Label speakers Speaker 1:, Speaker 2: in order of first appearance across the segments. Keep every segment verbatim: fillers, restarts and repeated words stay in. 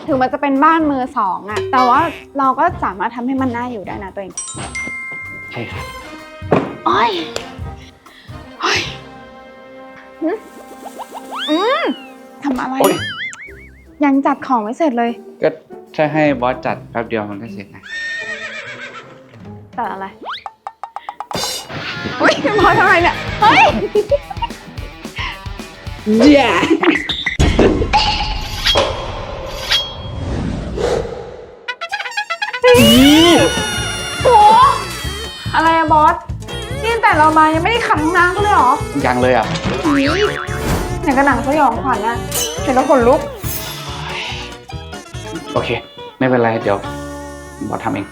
Speaker 1: ถึงมันจะเป็นบ้านมือสองอะแต่ว่าเราก็สามารถทำให้มันน่าอยู่ได้นะตัวเอง
Speaker 2: ใช่ครับ
Speaker 1: โอ้ยโอ้ยอืมทำอะไรยังจัดของไม่เสร็จเลย
Speaker 2: ก็ถ้าให้บอสจัดแป๊บเดียวมันก็เสร็จนะ
Speaker 1: จัดอะไรอุ้ยบอสทำอะไรเนี่ยเฮ้ยเย้โหอะไรอะบอสนี่แต่เรามายังไม่ได้ขัดห้องน้ำกันเลยเหรอ
Speaker 2: ยังเลยอ่ะ
Speaker 1: อย่างกระหนังสยองขวัญนะเห็นแล้วขนลุก
Speaker 2: โอเคไม่เป็นไรเดี๋ยวบอสทำเอง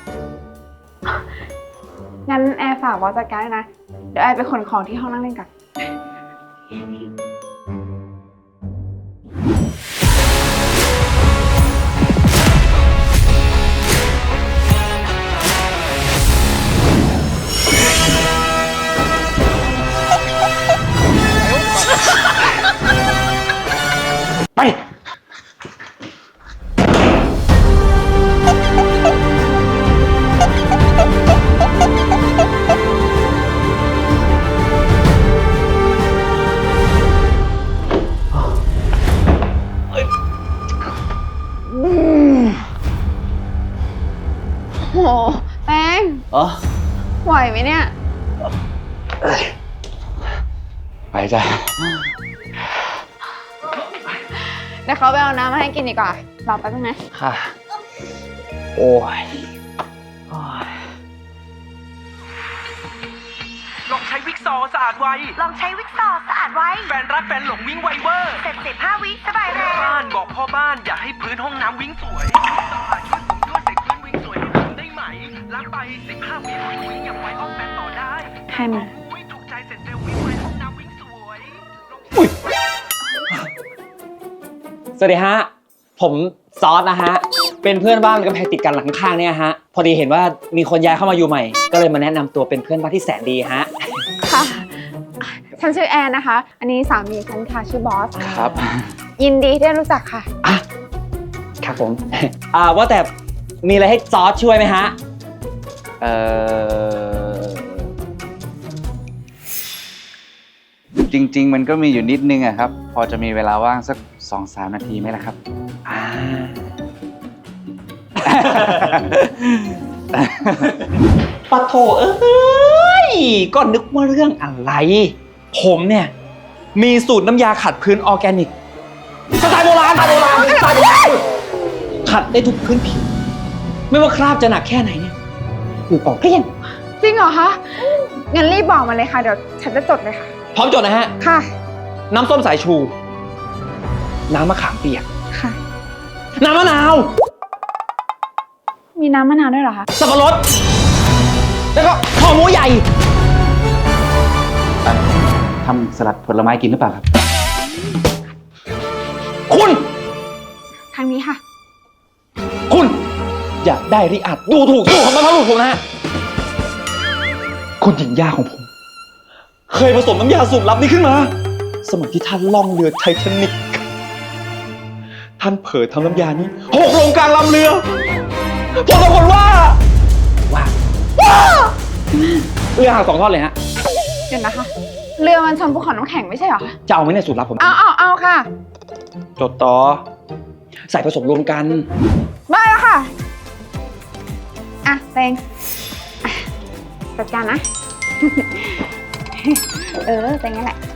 Speaker 1: งั้นแอร์ฝากบอสจัดการด้วยนะเดี๋ยวแอร์ไปขนของที่ห้องนั่งเล่นกัน
Speaker 2: ไป
Speaker 1: โหแป้ง
Speaker 2: อ๋อ
Speaker 1: ไหวไหมเนี่ย
Speaker 2: ไปจ้ะ
Speaker 1: เดี๋ยวเขาไปเอาน้ำมาให้กินดีกว่ารอแป๊บนึงนะ
Speaker 2: ค่ะโอ้ย
Speaker 3: ลองใช้วิกซอสะอาดไว
Speaker 4: ลองใช้วิกซอสะอาดไว
Speaker 3: แฟนรักแฟนหลงวิ่งไวเวอร์
Speaker 4: เสร็จสิบห้าวิสบายแรง
Speaker 3: บ้านบอกพ่อบ้านอยากให้พื้นห้องน้ำวิ่งสวยสะอาดช่วยผมด้วยเสกพื้นวิ่งสวยให้ผมได้ไหมล้างไปสิบห้าวิวิ่งอย่างไวออกแฟนต่อได้
Speaker 1: ให้มา
Speaker 3: ถูกใจเสร็จเร็ววิ่งไวห้องน้ำวิ่งสวย
Speaker 5: สวัสดีฮะผมซอสนะฮะเป็นเพื่อนบ้านกำแพงติดกันหลังข้างเนี่ยฮะพอดีเห็นว่ามีคนย้ายเข้ามาอยู่ใหม่ก็เลยมาแนะนำตัวเป็นเพื่อนบ้านที่แสนดีฮะ
Speaker 1: ค่ะฉันชื่อแอนนะคะอันนี้สามีฉันค่ะชื่อบอส
Speaker 2: ครับ
Speaker 1: ยินดีที่ได้รู้จักค่ะ
Speaker 5: อ่ะครับผมอ่าว่าแต่มีอะไรให้ซอสช่วยไหมฮะ
Speaker 2: เอ่อจริงๆมันก็มีอยู่นิดนึงอะครับพอจะมีเวลาว่างสัก สองถึงสาม นาทีไหมล่ะครับ
Speaker 5: อ่าปะโถเอ้ยก็นึกว่าเรื่องอะไรผมเนี่ยมีสูตรน้ำยาขัดพื้นออร์แกนิกสไตล์โบราณสไตล์โบราณสไตล์โบราณขัดได้ทุกพื้นผิวไม่ว่าคราบจะหนักแค่ไหนเนี่ยอยู่ออกเกลี้ยง
Speaker 1: จริงเหรอคะงั้นรีบบอกมาเลยค่ะเดี๋ยวฉันจะจดเลยค่ะ
Speaker 5: พร้อมจดนะฮะ
Speaker 1: ค่ะ
Speaker 5: น้ำส้มสายชูน้ำมะขามเปียก
Speaker 1: ค่ะ
Speaker 5: น้ำมะนาว
Speaker 1: มีน้ำมะนาวด้วยเหรอคะ
Speaker 5: สับปะรดแล้วก็ห่อหมูใหญ่
Speaker 2: ทำสลัดผลไม้กินหรือเปล่าครับ
Speaker 5: คุณ
Speaker 1: ทางนี้ค่ะ
Speaker 5: คุณอยากได้ริอาจดูถูกสู้ของบรรพบุรุษผมนะฮะคุณหญิงย่าของผมเคยผสมน้ำยาสูตรลับนี้ขึ้นมาสมัยที่ท่านล่องเรือไททานิคท่านเผยทำน้ำยานี้หกลงกลางลำเรือผลปรากฏว่าว่าว้าเรือหักสองท่อนเลยฮะ
Speaker 1: เดี๋ยวนะคะเรือมันชนภูเขาน้ำแข็งไม่ใช่เหรอคะ
Speaker 5: จะเอาไหมเนี่ยสูตรลับผม
Speaker 1: เอาเอาเอาค่ะ
Speaker 5: จดต่อใส่ผสมรวมกัน
Speaker 1: ได้แล้วค่ะอ่ะเต็งจัดการนะเออเป็นงั้นแหละ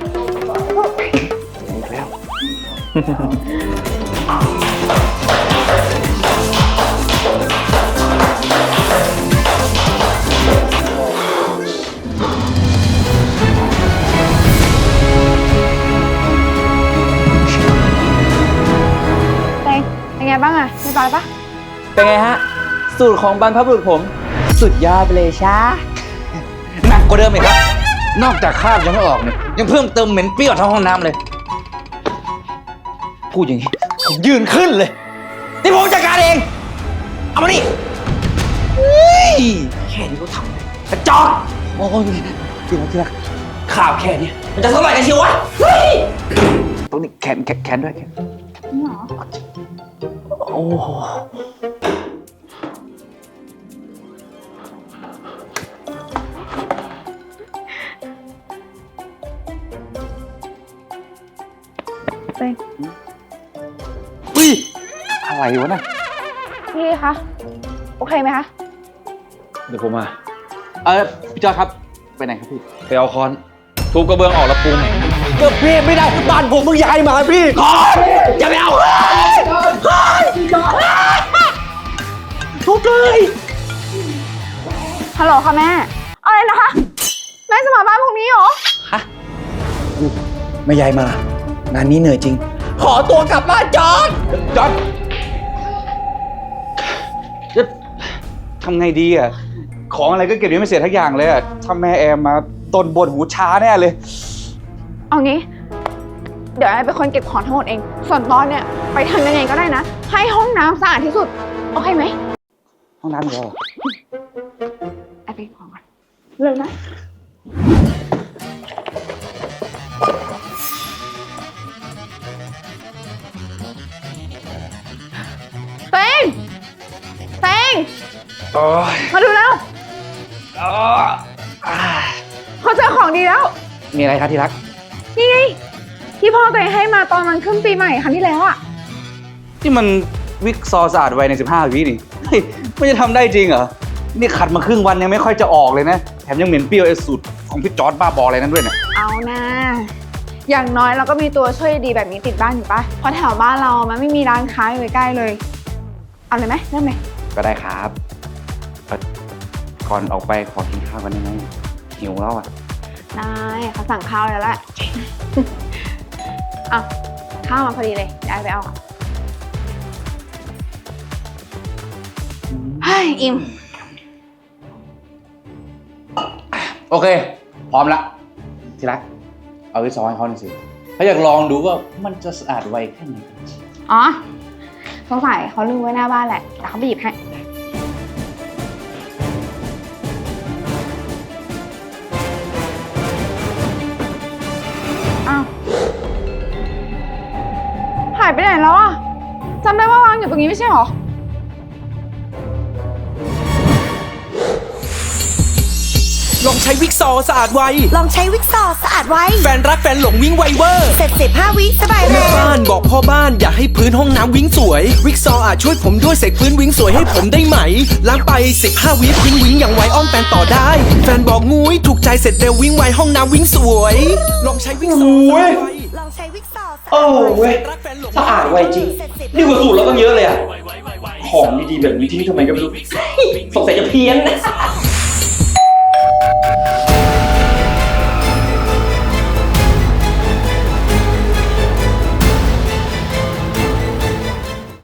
Speaker 2: แล้ว
Speaker 1: เต็งเป็นไงบ้างอะเรียบร้อยปะ
Speaker 5: เป็นไงฮะสูตรของบรรพบุรุษผมสุดยอดไปเลยช้า
Speaker 2: หนักกว่าเดิมอีกครับนอกจากคราบยังไม่ออกเนี่ยยังเพิ่มเติมเหม็นเปรี้ยวทั้งห้องน้ำเลยพูดอย่างนี้ผมยืนขึ้นเลยนี่ผมจัดการเองเอามานี่แค่นี้ก็ทำกระจอกโอ้ยทีละทีละข่าวแค่นี้มันจะเท่าไหร่กันเชียววะตรงนี้แขนแขนด้วยแขน
Speaker 1: หรอ
Speaker 5: โอ้โห
Speaker 1: เต้ง
Speaker 2: อุ้ยอะไรวะน่ะ
Speaker 1: พี่คะ โอเคไหมคะ
Speaker 5: เดี๋ยวผมมา
Speaker 2: เออพี่จอยครับไปไหนครับพี่
Speaker 5: ไปเอาค้อนทุบกระเบื้องออกแล้วปรุงก็พี่ไม่ได้บ้านผมเพิ่งย้ายมาพี่ค้อนอย่าไปเอาเลยค้อนทุบเลย
Speaker 1: ฮัลโหลค่ะแม่ อะไรนะคะ แม่จะมาบ้านพรุ่งนี้เหรอ
Speaker 5: ฮะไม่ย้ายมา งานนี้เหนื่อยจริง ขอตัวกลับบ้านจอด
Speaker 2: จอดจะทำไงดีอ่ะ ของอะไรก็เก็บยังไม่เสร็จทักอย่างเลยอ่ะถ้าแม่แอมมาต้นบนหูช้าแน่เลย
Speaker 1: เอางี้ เดี๋ยวไอ้เป็นคนเก็บของทั้งหมดเอง ส่วนตอนเนี่ยไปทำยังไงก็ได้นะ ให้ห้องน้ำสะอาดที่สุด โอเคไหม
Speaker 2: ห้องน้ำเหรอ
Speaker 1: ไอ้ไปของก่อนเร็วนะ เต้งเต้ง
Speaker 2: โอ้ย
Speaker 1: มาดูแล้ว
Speaker 2: อ๋ออ่า
Speaker 1: เขาเจอของดีแล้ว
Speaker 2: มีอะไรครับที่รัก
Speaker 1: นี่ไง ที่พ่อตัวเองให้มาตอนมันขึ้นปีใหม่ครั้งที่แล้วอะ
Speaker 2: นี่มันวิกซอสะอาดไวในสิบห้าวินี่เฮ้ยไม่จะทำได้จริงเหรอ นี่ขัดมาครึ่งวันยังไม่ค่อยจะออกเลยนะ แถมยังเหม็นเปรี้ยวไอ้สูตรของพี่จอร์ดบ้าบออะไรนั้นด้วยเนี่ย
Speaker 1: เอานะ อย่างน้อยเราก็มีตัวช่วยดีแบบนี้ติดบ้านอยู่ปะเพราะแถวบ้านเรามันไม่มีร้านค้าอยู่ใกล้ๆเลย เอาเลยไหมเริ่มเลย
Speaker 2: ก็ได้ครับเอ่อก่อนออกไปขอกินข้าวกันได้ไหมหิวแล้วอ่ะ
Speaker 1: นายเขาสั่งข้าวแล้วแหละ อ่ะข้าวมาพอดีเลยได้ไปเอาเฮ้ยอิ่ม
Speaker 2: โอเค พร้อมละที่รัก เอาวิกซอให้เขาหน่อยสิเขาอยากลองดูว่ามันจะสะอาดไวแค่ไหน
Speaker 1: อ๋อสงสัยเขาลืมไว้หน้าบ้านแหละแต่เขาไปหยิบให้อ้าวหายไปไหนแล้วอ่ะจำได้ว่าวางอยู่ตรงนี้ไม่ใช่หรอ
Speaker 6: ลองใช้วิกซอสะอาดไว
Speaker 4: ลองใช้วิกซอสะอาดไว้
Speaker 6: แฟนรักแฟนหลงวิ่งไวเวอร์
Speaker 4: เสร็จสิบห้าวิสบายแร
Speaker 6: แม่
Speaker 4: ง
Speaker 6: บ้านบอกพ่อบ้านอยากให้พื้นห้องน้ำวิ่งสวย วิกซออาจช่วยผมด้วยเสกพื้นวิ่งสวยให้ผมได้ไหม ล้างไปสิบห้าวิพื้นวิ่งอย่างไวอ้อมแปนต่อได้ แฟนบอกงุ้ยถูกใจเสร็จเร็ววิ่งไวห้องน้ำวิ่งสวย ลองใช้วิกซอสะอาดไว
Speaker 4: ลองใช้วิกซอสะ
Speaker 5: โอ้
Speaker 4: อาดไว้
Speaker 5: เว้ย สะอาดไวจริง นี่กว่าสูตรเราต้องเยอะเลยอะของดีๆแบบนี้ที่นี่ทำไมก็ไม่รู้ สงสัยจะเพี้ยนนะ